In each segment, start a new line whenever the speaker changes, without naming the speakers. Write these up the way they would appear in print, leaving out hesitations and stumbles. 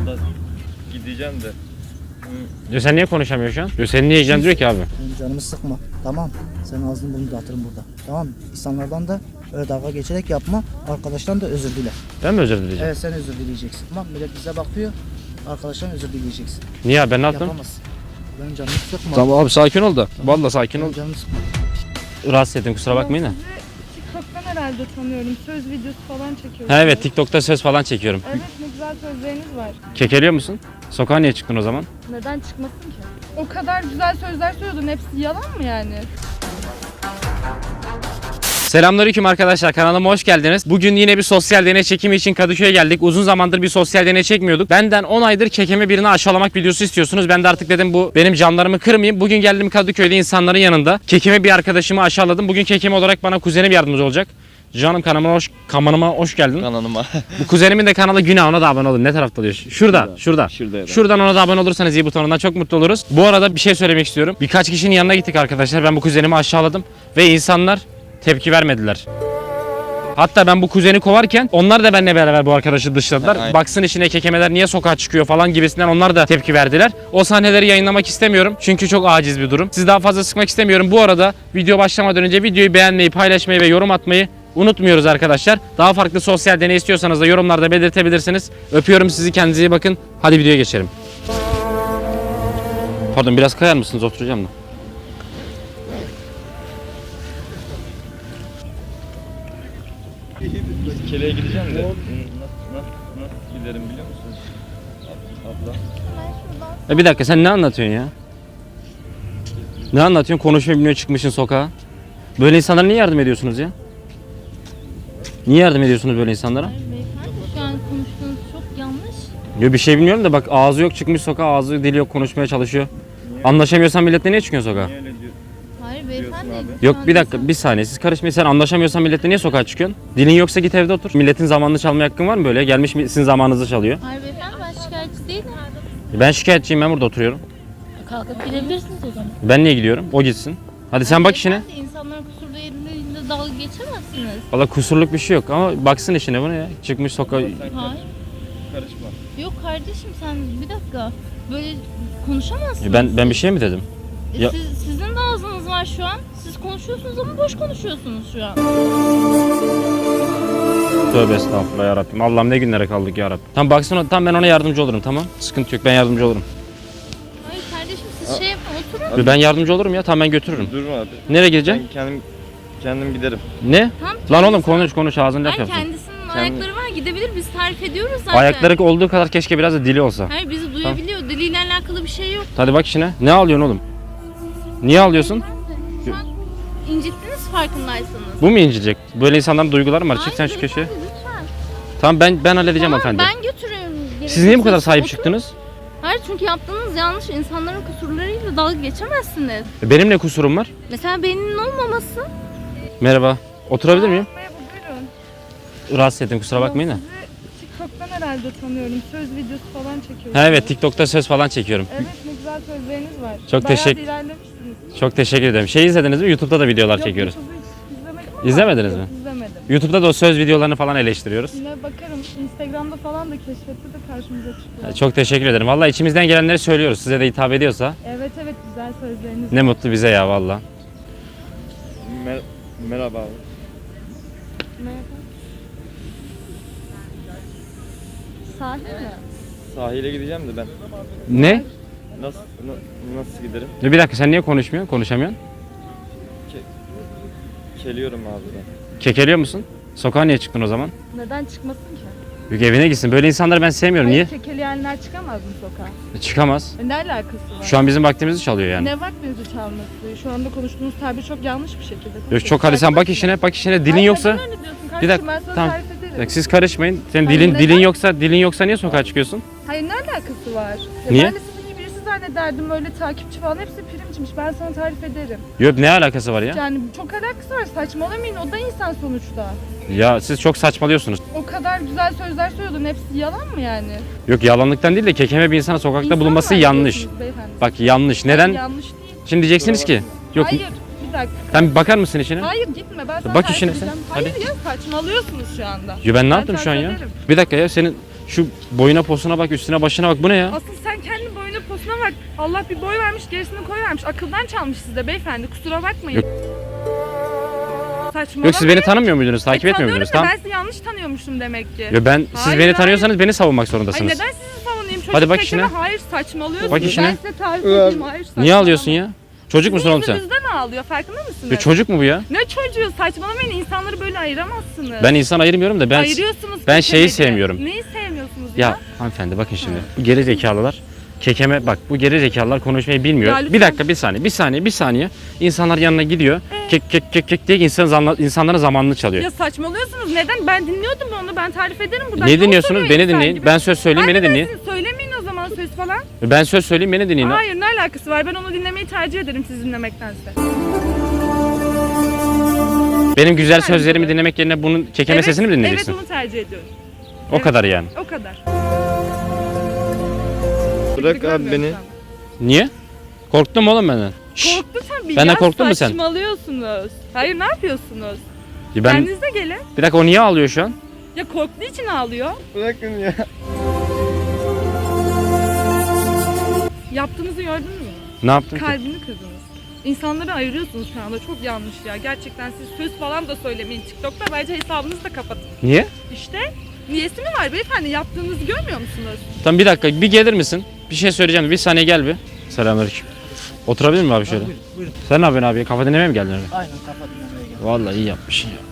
Yolda gideceğim de.
Diyor sen niye konuşamıyorsun şu an? Diyor seni niye ilgilendiriyor ki abi?
Benim canımı sıkma. Tamam. Senin ağzını burnunu dağıtırım burada. Tamam. İnsanlardan da öyle dalga geçerek yapma. Arkadaştan da özür dile.
Ben mi özür dileyeceğim?
Evet, sen özür dileyeceksin. Tamam. Millet bize bakıyor. Arkadaştan özür dileyeceksin.
Niye abi ben ne yaptım?
Yapamazsın. Benim canımı sıkma.
Tamam abi sakin ol da. Vallahi sakin ol.
Benim canımı sıkma.
Rahatsız ettim kusura bakmayın da.
TikTok'tan herhalde tanıyorum. Söz videosu falan çekiyorsunuz.
Ha evet TikTok'ta söz falan çekiyorum.
Evet, ne güzel sözleriniz var.
Kekeliyor musun? Sokağa niye çıktın o zaman?
Neden çıkmasın ki? O kadar güzel sözler söylüyordun. Hepsi yalan mı yani?
Selamünaleyküm arkadaşlar, kanalıma hoş geldiniz. Bugün yine bir sosyal deney çekimi için Kadıköy'e geldik. Uzun zamandır bir sosyal deney çekmiyorduk. Benden 10 aydır kekeme birini aşağılamak videosu istiyorsunuz. Ben de artık dedim bu benim canlarımı kırmayayım. Bugün geldim Kadıköy'de insanların yanında. Kekeme bir arkadaşımı aşağıladım. Bugün kekeme olarak bana kuzenim yardımcı olacak. Canım kanalıma hoş geldin.
Kanalıma.
Bu kuzenimin de kanalı Günah, ona da abone olun. Ne tarafta oluyor? Şurada.
Şurada.
Şuradan ona da abone olursanız iyi butonundan çok mutlu oluruz. Bu arada bir şey söylemek istiyorum. Birkaç kişinin yanına gittik arkadaşlar. Ben bu kuzenimi aşağıladım ve insanlar tepki vermediler. Hatta ben bu kuzeni kovarken onlar da benimle beraber bu arkadaşı dışladılar.
Aynen.
Baksın işine kekemeler niye sokağa çıkıyor falan gibisinden onlar da tepki verdiler. O sahneleri yayınlamak istemiyorum. Çünkü çok aciz bir durum. Sizi daha fazla sıkmak istemiyorum. Bu arada video başlamadan önce videoyu beğenmeyi, paylaşmayı ve yorum atmayı unutmuyoruz arkadaşlar. Daha farklı sosyal deney istiyorsanız da yorumlarda belirtebilirsiniz. Öpüyorum sizi, kendinize iyi bakın. Hadi videoya geçelim. Pardon, biraz kayar mısınız? Oturacağım da.
Keleğe gideceğim de. Nasıl giderim biliyor musunuz? Abla.
Bir dakika, sen ne anlatıyorsun ya? Ne anlatıyorsun? Konuşmayı bilmiyor, çıkmışsın sokağa. Böyle insanlara niye yardım ediyorsunuz ya? Niye yardım ediyorsunuz böyle insanlara?
Hayır beyefendi, şu an konuştuğunuz çok yanlış.
Yo, bir şey bilmiyorum da bak, ağzı yok çıkmış sokağa, ağzı dili yok, konuşmaya çalışıyor. Anlaşamıyorsan milletle niye çıkıyorsun sokağa?
Niye öyle diyor?
Hayır beyefendi.
abi?
şu
Yok
an
bir dakika, bir saniye, siz karışmayın. Sen anlaşamıyorsan milletle niye sokağa çıkıyorsun? Dilin yoksa git evde otur. Milletin zamanını çalmaya hakkın var mı böyle? Gelmiş sizin zamanınızı çalıyor.
Hayır beyefendi, ben şikayetçi değilim.
Ben şikayetçiyim, ben burada oturuyorum.
Kalkıp gidebilirsiniz o zaman.
Ben niye gidiyorum? O gitsin. Hadi sen bak işine.
Beyefendi, insanların kusurlu yerinde dalga geçemezsiniz.
Valla kusurluk bir şey yok ama baksın işine bunu ya. Çıkmış sokağa.
Hayır.
Karışma.
Yok kardeşim, sen bir dakika. Böyle konuşamazsınız.
Ben bir şey mi dedim? Ya-
Sizin de ağzınız var şu an. Siz konuşuyorsunuz ama boş konuşuyorsunuz şu an.
Tövbe estağfurullah yarabbim. Allah'ım ne günlere kaldık yarabbim. Tamam baksın, tamam ben ona yardımcı olurum, tamam. Sıkıntı yok, ben yardımcı olurum.
Hayır kardeşim, siz şey yapın, oturun.
Ben yardımcı olurum ya, tamam ben götürürüm.
Durma abi.
Nereye gideceksin?
Ben kendim giderim.
Ne?
Tamam,
Lan oğlum konuş ağzını laf
Hayır,
yapsın.
kendisinin ayakları var, gidebilir, biz tarif ediyoruz zaten.
Ayakları olduğu kadar keşke biraz da dili olsa.
Hayır, bizi duyabiliyor. Diliyle alakalı bir şey yok.
Hadi bak işine. Ne ağlıyorsun oğlum? Niye ağlıyorsun?
Şu an incittiniz farkındaysanız.
Bu mu incilecek? Böyle insanların duyguları mı var? Çık sen şu
Hayır,
köşeye.
beyefendi, lütfen.
Tamam ben halledeceğim
Tamam,
hanımefendi.
ben götürüyorum.
Siz niye bu kadar sahip
Oturun.
çıktınız?
Hayır, çünkü yaptığınız yanlış. İnsanların kusurlarıyla dalga geçemezsiniz.
Benim ne kusurum var?
Mesela beyninin olmaması.
Merhaba. Oturabilir miyim?
Merhaba, buyurun.
Rahatsız ettim, kusura bakmayın da.
Sizi TikTok'tan herhalde tanıyorum. Söz videosu falan çekiyorsunuz.
Ha evet, TikTok'ta söz falan çekiyorum.
Evet, ne güzel sözleriniz var.
Çok
Bayağı
teşekkür-
ilerlemişsiniz.
Çok teşekkür ederim. Şey izlediniz mi? YouTube'da da videolar
Yok,
çekiyoruz.
YouTube'u hiç izlemedim ama.
İzlemediniz
Yok,
mi?
İzlemedim.
YouTube'da da o söz videolarını falan eleştiriyoruz.
Yine bakarım. Instagram'da falan da keşfette de karşımıza çıkıyor.
Çok teşekkür ederim. Vallahi içimizden gelenleri söylüyoruz. Size de hitap ediyorsa
Evet, güzel sözleriniz
ne mutlu bize ya vallahi.
Merhaba abi.
Merhaba. Sahil mi?
Sahile gideceğim de ben.
Ne?
Nasıl giderim?
Bir dakika, sen niye konuşmuyorsun? Konuşamıyorsun.
Keliyorum abi ben.
Kekeliyor musun? Sokağa niye çıktın o zaman?
Neden çıkmasın ki?
Yok, evine gitsin. Böyle insanları ben sevmiyorum. Niye?
Hayır, kekeleyenler çıkamaz mı sokağa?
Çıkamaz.
Ne alakası var?
Şu an bizim vaktimizi çalıyor yani.
Ne vaktinizi çalması? Şu anda konuştuğunuz tabir çok yanlış bir şekilde.
Yok çok, hadi sen bak işine, bak işine. Dilin
Hayır,
yoksa
neden öyle diyorsun
bir
kardeşim?
dakika,
Ben sana
tamam.
tarif ederim.
bak, siz karışmayın. Senin
Hayır,
dilin
neden?
dilin yoksa niye sokağa çıkıyorsun?
Hayır, ne alakası var? Ya
Niye?
Ben de sizin gibi birisi zannederdim, öyle takipçi falan hepsi primçmiş. Ben sana tarif ederim.
Yok, ne alakası var ya?
Yani çok alakası var, saçmalamayın, o da insan sonuçta.
Ya siz çok saçmalıyorsunuz.
O kadar güzel sözler söylüyordun, hepsi yalan mı yani?
Yok, yalanlıktan değil de kekeme bir insana sokakta
İnsan
bulunması
var
yanlış.
diyorsunuz beyefendi.
Bak yanlış.
Hayır,
Neden?
yanlış değil.
Şimdi diyeceksiniz ki yok.
Hayır, bir dakika.
Sen bakar mısın işine?
Hayır, gitme, ben sana
Bak
tarif
işine
edeceğim.
sen,
Hayır ya, saçmalıyorsunuz şu anda.
Yo, ben ne yaptım şu an
tarif
ya?
ederim.
Bir dakika ya, senin Şu boyuna posuna bak, üstüne başına bak. Bu ne ya?
Asıl sen kendi boyuna posuna bak. Allah bir boy vermiş, gerisini koy vermiş. Akıldan çalmış sizde beyefendi. Kusura bakmayın.
Yok.
Saçmalamayın.
Yok siz beni tanımıyor muydunuz? Takip etmiyor
Tanıyorum
muydunuz?
da
Tamam.
Ben sizi yanlış tanıyormuşum demek ki.
Yo ben siz
Hayır,
beni
hayır.
tanıyorsanız beni savunmak
Ay
zorundasınız.
neden sizi savunayım? Çocuk
Hadi bak
tekeme,
işine.
hayır saçmalıyorsunuz.
Bak işine.
Ben size tarif edeyim. Hayır
Niye
saçmalama.
ağlıyorsun ya? Çocuk musun oğlum sen?
Yüzünüzden ağlıyor, farkında mısınız?
Ya çocuk mu bu ya?
Ne çocuğu? Saçmalamayın, insanları böyle ayıramazsınız.
Ben insan ayırmıyorum da ben
Ayırıyorsunuz.
ben şeyi
kekemeci.
sevmiyorum.
Neyi sevmiyorsunuz ya?
Ya hanımefendi bakın şimdi. Bu geri zekalılar kekeme bak bu geri zekalılar konuşmayı bilmiyor.
Ya lütfen.
Bir dakika bir saniye. İnsanlar yanına gidiyor. Kek diye insanların zamanını çalıyor.
Ya saçmalıyorsunuz. Neden? Ben dinliyordum onu. Ben tarif ederim buradan.
Niye
Ne
dinliyorsunuz?
oturuyor
Beni
insan
dinleyin.
gibi?
Ben söz söyleyeyim beni dinleyin.
Siz söylemeyin o zaman söz falan.
Ben söz söyleyeyim beni dinleyin.
Hayır, ne alakası var? Ben onu dinlemeyi tercih ederim siz dinlemektense.
Benim güzel sözlerimi dinlemek yerine bunun kekeme sesini mi dinleyeceksin?
Evet, onu tercih ediyorum.
O kadar yani.
O kadar.
Bırak abi beni.
Niye? Korktun mu oğlum benden?
Korktu tabii.
Benden
ya,
korktun mu sen?
Saçmalıyorsunuz. Hayır, ne yapıyorsunuz?
Ya ben
Kendinize gelin.
bir dakika o niye ağlıyor şu an?
Ya korktuğu için ağlıyor.
Bırakın ya.
Yaptığınızı gördün mü?
Ne yaptın ki?
Kalbini kırdınız. İnsanları ayırıyorsunuz şu anda. Çok yanlış ya. Gerçekten siz söz falan da söylemeyin TikTok'ta. Bence hesabınızı da kapatın.
Niye?
İşte niyesi mi var beyefendi? Yaptığınızı görmüyor musunuz?
Tamam bir dakika bir gelir misin? Bir şey söyleyeceğim. Bir saniye gel bir. Selamünaleyküm. Oturabilir miyim abi şöyle?
Buyurun, buyurun.
Sen ne yapıyorsun abi? Kafa dinlemeye mi geldin öyle?
Aynen kafa dinlemeye geldim.
Vallahi iyi yapmışsın ya.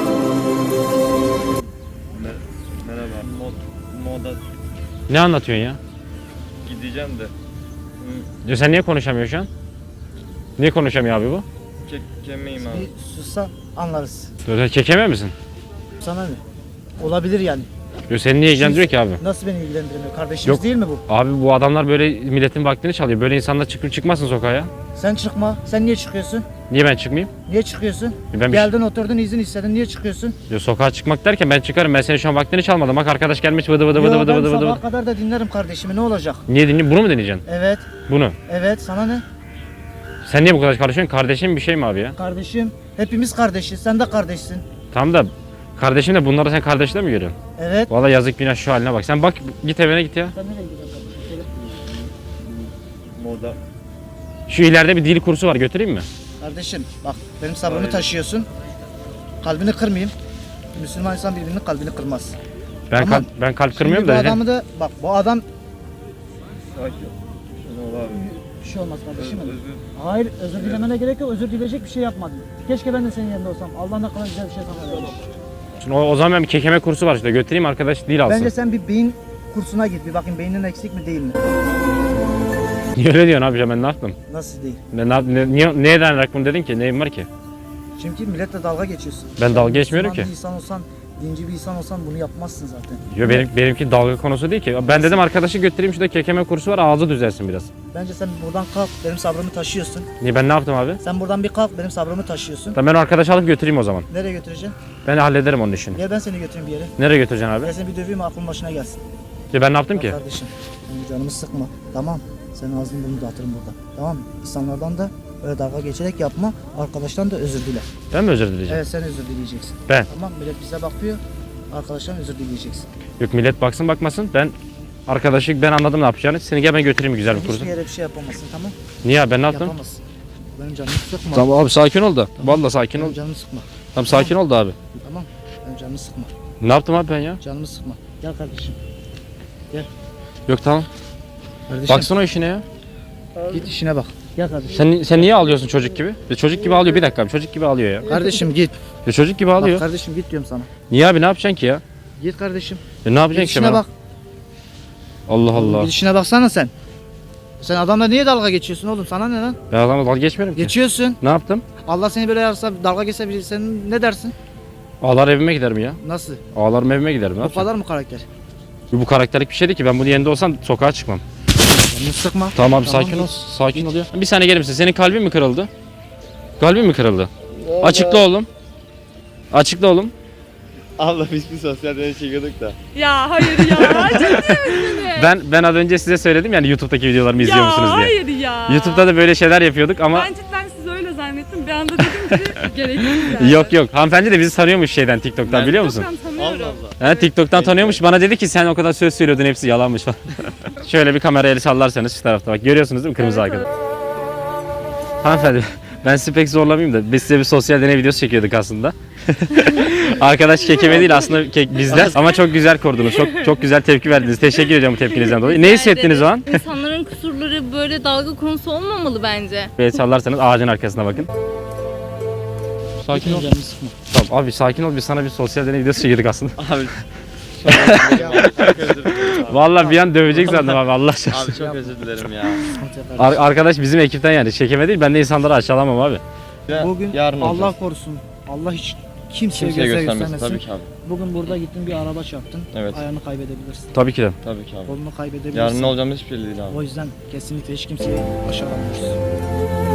Merhaba. Moda
Ne anlatıyorsun ya?
gideceğim de.
Ya sen niye konuşamıyorsun şu an? Niye konuşamıyor abi bu?
Kekemeyim abi.
Bir sussan anlarız.
Sen kekeme misin?
Sana ne? Olabilir yani.
Yo seni niye ilgilendiriyor ki abi?
Nasıl beni ilgilendirmiyor? Kardeşimiz
Yok.
değil mi bu?
Abi bu adamlar böyle milletin vaktini çalıyor. Böyle insanlar çıkmasın sokağa ya.
Sen çıkma. Sen niye çıkıyorsun?
Niye ben çıkmayayım?
Niye çıkıyorsun?
Ben
Geldin oturdun izin istedin. Niye çıkıyorsun?
Yo, sokağa çıkmak derken ben çıkarım. Ben senin şu an vaktini çalmadım. Bak arkadaş gelmiş vıdı vıdı
Yo,
vıdı vıdı
ben
vıdı vıdı.
sabaha kadar da dinlerim kardeşimi. Ne olacak?
Niye dinliyorsun? Bunu mu dinleyeceksin?
Evet.
Bunu.
Evet. Sana ne?
Sen niye bu kadar karışıyorsun? Kardeşim bir şey mi abi ya?
Kardeşim. Hepimiz kardeşiz. Sen de kardeşsin.
Tamam da kardeşim de bunları sen kardeşle mi görüyorsun?
Evet.
Vallahi yazık günah şu haline bak. Sen bak git evine git ya.
Sen nereye gidiyorsun?
Moda.
Şu ileride bir dil kursu var götüreyim mi?
Kardeşim bak benim sabrımı
Hayır.
taşıyorsun. Kalbini kırmayayım. Müslüman insan birbirinin kalbini kırmaz.
Ben
Tamam.
ben kalp
Şimdi
kırmıyorum
bu
da.
adamı da bak bu adam
Sakin. Şunu ol abi.
bir şey olmaz kardeşim. benim.
Özür.
Hayır özür dilemene gerek yok. Özür dileyecek bir şey yapmadın. Keşke ben de senin yerinde olsam. Allah ne kadar güzel bir şey sana vermiş.
Şimdi o zaman ben bir kekeme kursu var işte götüreyim arkadaş dil alsın.
Bence sen bir beyin kursuna git. Bir bakayım beynin eksik mi değil mi?
Niye öyle diyorsun abi ya ben ne yaptım?
Nasıl değil?
Neye dayanarak bunu dedin ki? Neyim var ki?
Çünkü milletle dalga geçiyorsun.
Ben dalga geçmiyorum
Müslüman
ki.
bir insan olsan, dinci bir insan olsan bunu yapmazsın zaten.
Yo benimki dalga konusu değil ki. Ben dedim arkadaşı götüreyim şurada kekeme kursu var ağzı düzelsin biraz.
Bence sen buradan kalk, benim sabrımı taşıyorsun.
Niye ben ne yaptım abi?
Sen buradan bir kalk, benim sabrımı taşıyorsun.
Ben o arkadaşı alıp götüreyim o zaman.
Nereye götüreceksin?
Ben hallederim onun işini.
Gel ben seni götüreyim bir yere.
Nereye götüreceksin abi?
Gel seni bir döveyim aklın başına gelsin.
Ya ben ne yaptım
Bak
ki?
kardeşim, benim canımı sıkma. Tamam. Senin ağzını burnunu dağıtırım burada. Tamam mı? İnsanlardan da öyle dalga geçerek yapma. Arkadaştan da özür dile.
Ben mi özür dileyeceğim?
Evet sen özür dileyeceksin.
Ben.
Tamam millet bize bakıyor. Arkadaştan özür dileyeceksin.
Yok millet baksın bakmasın. Ben arkadaşı ben anladım ne yapacağını. Seni gel ben götüreyim güzel bir kursa.
Hiçbir yere bir şey yapamazsın tamam?
Niye abi ben ne yaptım?
Yapamazsın. Benim canımı sıkma.
Tamam abi sakin ol da. Vallahi sakin ol.
Benim canımı sıkma.
Tamam sakin ol da abi.
Tamam. Benim canımı sıkma.
Ne yaptım abi ben ya?
Canımı sıkma. Gel kardeşim.
Yok tamam.
Kardeşim
Baksana o işine ya.
git işine bak. Gel kardeşim.
Sen niye ağlıyorsun çocuk gibi? Çocuk gibi ağlıyor bir dakika abi. Çocuk gibi ağlıyor ya.
Kardeşim git.
Çocuk gibi
Bak
ağlıyor.
kardeşim git diyorum sana.
Niye abi ne yapacaksın ki ya?
Git kardeşim.
Ne yapacaksın
Git
ki
işine
ben?
bak.
Allah Allah.
Git işine baksana sen. Sen adamla niye dalga geçiyorsun oğlum? Sana ne lan?
Ben adamla dalga geçmiyorum ki.
Geçiyorsun.
Ne yaptım?
Allah seni böyle yapsa dalga geçse biri sen ne dersin?
Ağlar evime giderim ya.
Nasıl?
Ağlarım evime giderim. Ne
Bu
yapacağım?
kadar mı karakter?
Bu karakterlik bir şey değil ki. Ben bunun yerinde olsam sokağa çıkmam.
Canını sıkma.
Tamam abi
Tamam,
sakin ol.
git.
Sakin ol ya. Bir saniye gelir misin? Senin kalbin mi kırıldı? Kalbin mi kırıldı? Açıkla oğlum. Açıkla oğlum.
Abla biz bir sosyal deney çekiyorduk da.
Ya hayır ya. Ciddi misiniz?
Ben az önce size söyledim yani YouTube'daki videolarımı izliyor musunuz
Ya
diye.
hayır ya.
YouTube'da da böyle şeyler yapıyorduk ama
Ben cidden sizi öyle zannettim. Bir anda dedim ki gereksiz yani.
yok yok. Hanımefendi de bizi tanıyormuş şeyden TikTok'tan
Ben-
biliyor musun?
Tamam, tanıyorum.
He, TikTok'tan tanıyormuş. Bana dedi ki sen o kadar söz söylüyordun hepsi yalanmış falan. Şöyle bir kamerayı sallarsanız şu tarafta bak. Görüyorsunuz değil mi kırmızı
Evet,
arkada? Hanımefendi ben sizi pek zorlamayayım da biz size bir sosyal deney videosu çekiyorduk aslında. Arkadaş kekeme değil aslında bizden ama çok güzel korudunuz. Çok güzel tepki verdiniz. Teşekkür ediyorum bu tepkinizden dolayı. Ne
Rica
hissettiniz o
ederim.
an?
İnsanların kusurları böyle dalga konusu olmamalı bence.
Böyle sallarsanız ağacın arkasına bakın. Sakin ol. Tamam abi sakin ol. Biz sana bir sosyal deney videosu çekiyorduk aslında.
Abi çok özür dilerim.
Vallahi bir an dövecek sandım abi Allah aşkına.
Abi çok özür dilerim ya.
Arkadaş bizim ekipten yani çekeme değil. Ben de insanları aşağılamam abi.
Bugün
Yarın
Allah
olacağız.
korusun. Allah hiç kimseye
Kimseye
göze
göstermesin
göstermesin.
tabii ki abi.
Bugün burada gittin bir araba çarptın.
Evet.
Ayağını kaybedebilirsin.
Tabii ki de.
Tabii ki abi.
Kolunu kaybedebilirsin.
Yarın ne olacağımız hiçbir belli değil abi.
O yüzden kesinlikle hiç kimseyi aşağılamıyoruz.